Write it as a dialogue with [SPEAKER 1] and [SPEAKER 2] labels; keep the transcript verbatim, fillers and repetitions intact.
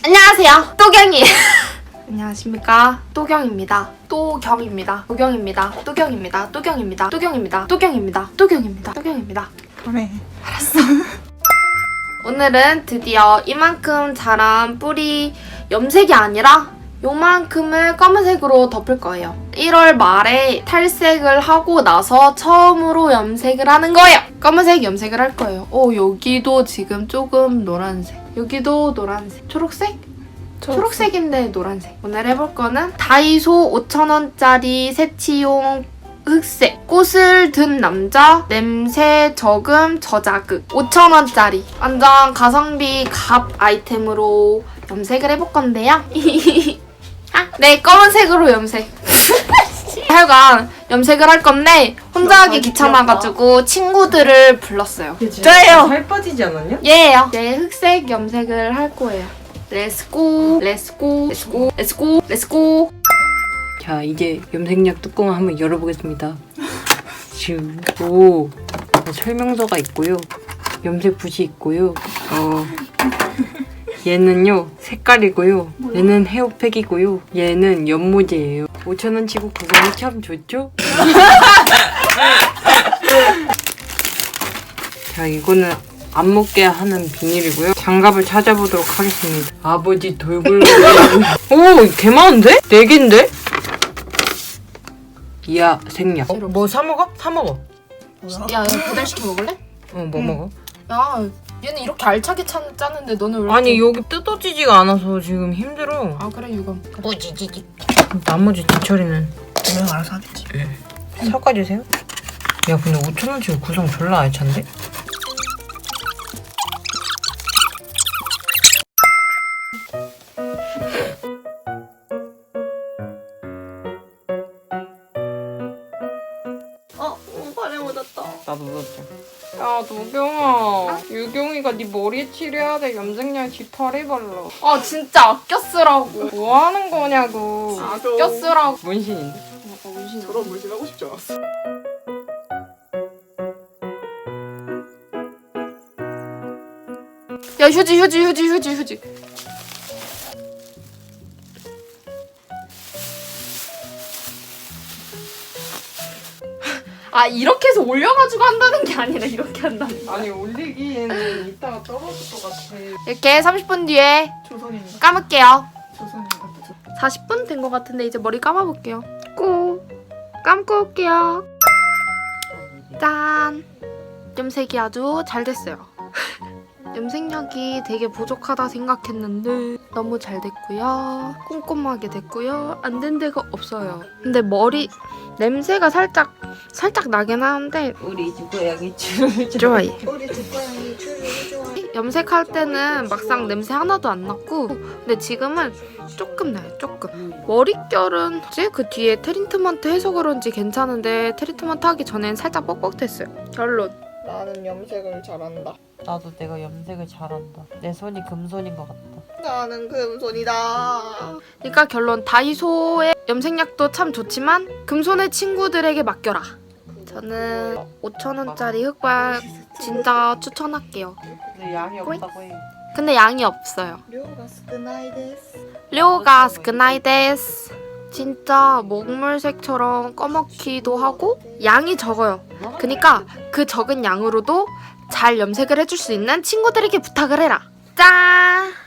[SPEAKER 1] 안녕하세요, 또경이에요. 안녕하십니까, 또경입니다. 또경입니다. 또경입니다. 또경입니다. 또경입니다. 또경입니다. 또경입니다. 또경입니다. 또경입니다.
[SPEAKER 2] 그래.
[SPEAKER 1] 알았어. 오늘은 드디어 이만큼 자란 뿌리 염색이 아니라 요만큼을 검은색으로 덮을 거예요. 일월 말에 탈색을 하고 나서 처음으로 염색을 하는 거예요. 검은색 염색을 할 거예요. 오, 여기도 지금 조금 노란색. 여기도 노란색. 초록색? 초록색인데 노란색. 오늘 해볼 거는 다이소 오천 원짜리 색치용 흑색. 꽃을 든 남자, 냄새 저금 저자극. 오천 원짜리. 완전 가성비 갑 아이템으로 염색을 해볼 건데요. 네, 검은색으로 염색. 하여간 염색을 할 건데 혼자 하기 귀찮아가지고 친구들을 불렀어요. 저예요.
[SPEAKER 2] 살 빠지지 않았냐?
[SPEAKER 1] 얘예요. 네, 흑색 염색을 할 거예요. 렛츠고, 렛츠고, 렛츠고, 렛츠고, 렛츠고.
[SPEAKER 3] 자, 이제 염색약 뚜껑을 한번 열어보겠습니다. 지금 오 설명서가 있고요. 염색 붓이 있고요. 어 얘는요 색깔이고요. 얘는 헤어팩이고요. 얘는 연모제예요. 오천 원 치고 구성이 참 좋죠? 자, 이거는 안 먹게 하는 비닐이고요. 장갑을 찾아보도록 하겠습니다. 아버지 돌굴. 오, 개 많은데? 네 개인데? 이야, 생략. 어, 뭐 사 먹어? 사 먹어.
[SPEAKER 1] 야, 이거 배달시켜 먹을래?
[SPEAKER 3] 어, 뭐
[SPEAKER 1] 응.
[SPEAKER 3] 먹어?
[SPEAKER 1] 야, 얘는 이렇게 알차게 짜, 짜는데 너는 왜 이렇게...
[SPEAKER 3] 아니, 여기 뜯어지지가 않아서 지금 힘들어.
[SPEAKER 1] 아, 그래, 이거.
[SPEAKER 3] 뿌지지지. 나머지 뒤처리는
[SPEAKER 2] 분명 알아서 하겠지.
[SPEAKER 3] 섞어주세요. 야, 근데 오천 원 치고 구성 졸라 알찬데?
[SPEAKER 1] 어, 발에 묻었다.
[SPEAKER 3] 나도 넣었지.
[SPEAKER 4] 야, 노경아. 유경이가 네 머리에 칠해야 돼. 염색약 깃털에 발라.
[SPEAKER 1] 아, 진짜 아껴 쓰라고.
[SPEAKER 4] 뭐 하는 거냐고.
[SPEAKER 1] 아껴 쓰라고.
[SPEAKER 3] 문신인데?
[SPEAKER 1] 어, 문신.
[SPEAKER 2] 저런 물질 하고 싶지 않았어.
[SPEAKER 1] 야, 휴지, 휴지, 휴지, 휴지, 휴지. 아, 이렇게 해서 올려가지고 한다는 게 아니라 이렇게 한다는 거야.
[SPEAKER 4] 아니, 올리기에는 이따가 떨어질 것 같아.
[SPEAKER 1] 이렇게 삼십 분 뒤에
[SPEAKER 2] 조선인가?
[SPEAKER 1] 감을게요.
[SPEAKER 2] 조선인가?
[SPEAKER 1] 사십 분 된 것 같은데 이제 머리 감아볼게요. 꼭 감고 올게요. 짠! 염색이 아주 잘 됐어요. 염색약이 되게 부족하다 생각했는데 너무 잘 됐고요. 꼼꼼하게 됐고요. 안 된 데가 없어요. 근데 머리 냄새가 살짝 살짝 나긴 하는데
[SPEAKER 3] 우리 집 고양이 줄
[SPEAKER 1] 좋아해.
[SPEAKER 2] 우리 집 고양이 줄을 좋아해.
[SPEAKER 1] 염색할 때는 막상 냄새 하나도 안 났고 근데 지금은 조금 나요. 조금. 머릿결은 이제 그 뒤에 트리트먼트 해서 그런지 괜찮은데 트리트먼트 하기 전엔 살짝 뻑뻑했어요. 결론.
[SPEAKER 2] 나는 염색을 잘한다.
[SPEAKER 3] 나도 내가 염색을 잘한다. 내 손이 금손인 것 같다.
[SPEAKER 2] 나는 금손이다.
[SPEAKER 1] 그러니까 결론 다이소의 염색약도 참 좋지만 금손의 친구들에게 맡겨라. 저는 오천 원짜리 흑발 진짜 추천할게요.
[SPEAKER 3] 근데 양이 없다고 해.
[SPEAKER 1] 근데 양이 없어요.
[SPEAKER 2] 료가 스크나이 데스.
[SPEAKER 1] 료가 스크나이 데스. 진짜 먹물색처럼 꺼먹기도 하고 양이 적어요. 그러니까 그 적은 양으로도 잘 염색을 해줄 수 있는 친구들에게 부탁을 해라. 짠!